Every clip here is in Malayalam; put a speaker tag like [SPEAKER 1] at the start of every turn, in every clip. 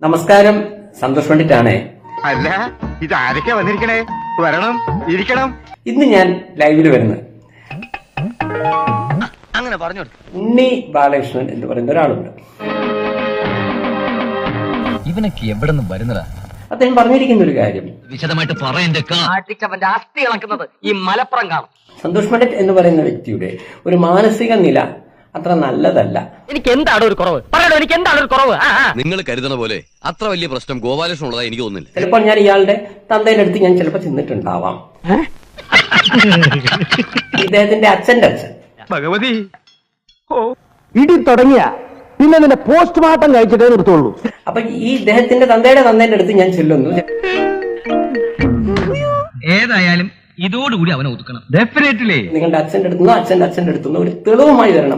[SPEAKER 1] നമസ്കാരം, സന്തോഷ് പണ്ഡിറ്റാണേ.
[SPEAKER 2] അല്ല, ഇത് ആരൊക്കെ വന്നിരിക്കണേ? വരണം, ഇരിക്കണം.
[SPEAKER 1] ഇന്ന് ഞാൻ ലൈവില് വരുന്നത്
[SPEAKER 2] അങ്ങനെ പറഞ്ഞു.
[SPEAKER 1] ഉണ്ണി ബാലകൃഷ്ണൻ എന്ന് പറയുന്ന ഒരാളുണ്ട്.
[SPEAKER 3] ഇവനൊക്കെ എവിടെ നിന്ന് വരുന്നതാ?
[SPEAKER 1] അദ്ദേഹം പറഞ്ഞിരിക്കുന്ന ഒരു കാര്യം
[SPEAKER 3] വിശദമായിട്ട്
[SPEAKER 4] ആട്ടിച്ചവന്റെ അസ്ഥി ഇളക്കുന്നത് ഈ മലപ്പുറം കാണും.
[SPEAKER 1] സന്തോഷ് പണ്ഡിറ്റ് എന്ന് പറയുന്ന വ്യക്തിയുടെ ഒരു മാനസിക നില അത്ര നല്ലതല്ല.
[SPEAKER 4] എനിക്ക് എന്താണ് ഒരു കുറവ്? പറയണോ, എനിക്ക് എന്താണ് ഒരു കുറവ്?
[SPEAKER 5] നിങ്ങൾ കരുതണ പോലെ അത്ര വലിയ പ്രശ്നം ഗോപാലകൃഷ്ണൻ ഉള്ളതായി എനിക്ക് തോന്നുന്നില്ല.
[SPEAKER 1] ചിലപ്പോൾ ഞാൻ ഇയാളുടെ തന്തയുടെ അടുത്ത് ഞാൻ ചിലപ്പോൾ ചെന്നിട്ടുണ്ടാവാം. ഇദ്ദേഹത്തിന്റെ അച്ഛന്റെ അച്ഛൻ
[SPEAKER 2] ഭഗവതി,
[SPEAKER 6] ഇടി തുടങ്ങിയ പിന്നെ നിന്റെ പോസ്റ്റ്മോർട്ടം കഴിച്ചിട്ടേ നിർത്തുള്ളൂ.
[SPEAKER 1] അപ്പൊ ഈ ഇദ്ദേഹത്തിന്റെ തന്തയുടെ അടുത്ത് ഞാൻ ചെല്ലുന്നു.
[SPEAKER 3] ഏതായാലും ഇതോടുകൂടി അവനെ ഒതുക്കണം. ഡെഫിനറ്റ്ലി
[SPEAKER 1] നിങ്ങളുടെ അച്ഛന്റെ അടുത്തുനിന്നോ അച്ഛന്റെ അടുത്തുനിന്നോ ഒരു തെളിവുമായി വരണം.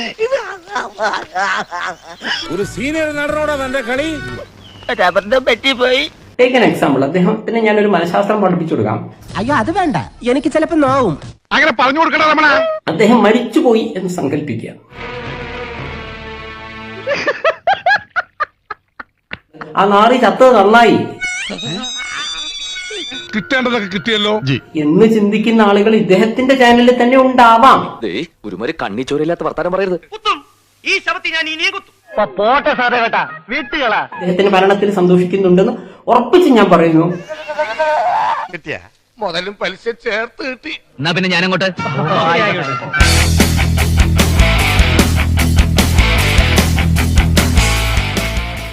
[SPEAKER 7] ഒരു സീനിയർ നടനോടാ തന്റെ കളി.
[SPEAKER 1] Take an example. അദ്ദേഹത്തിന് ഞാൻ ഒരു മനഃശാസ്ത്രം പഠിപ്പിച്ചു കൊടുക്കാം.
[SPEAKER 6] അയ്യോ അത് വേണ്ട, എനിക്ക് ചിലപ്പോ നോവും.
[SPEAKER 2] അങ്ങനെ പറഞ്ഞു കൊടുക്കണ രമണ.
[SPEAKER 1] അദ്ദേഹം മരിച്ചുപോയി എന്ന് സങ്കല്പിക്കുക. ആ നാറി ചത്തത് നന്നായി
[SPEAKER 7] കിട്ടേണ്ടതൊക്കെ കിട്ടിയല്ലോ
[SPEAKER 1] എന്ന് ചിന്തിക്കുന്ന ആളുകൾ ഇദ്ദേഹത്തിന്റെ ചാനലിൽ തന്നെ ഉണ്ടാവാം.
[SPEAKER 5] ഒരുമാതിരി കണ്ണിച്ചോരില്ലാത്ത വർത്താനം പറയരുത്.
[SPEAKER 4] പോട്ടെ സാറേ, കേട്ടാ വീട്ടുകളാ.
[SPEAKER 1] അദ്ദേഹത്തിന്റെ മരണത്തിൽ സന്തോഷിക്കുന്നുണ്ടെന്ന് ഉറപ്പിച്ച് ഞാൻ പറയുന്നു.
[SPEAKER 7] കിട്ടിയ മുതലും പലിശ ചേർത്ത് കിട്ടി.
[SPEAKER 3] എന്നാ പിന്നെ ഞാനങ്ങോട്ട്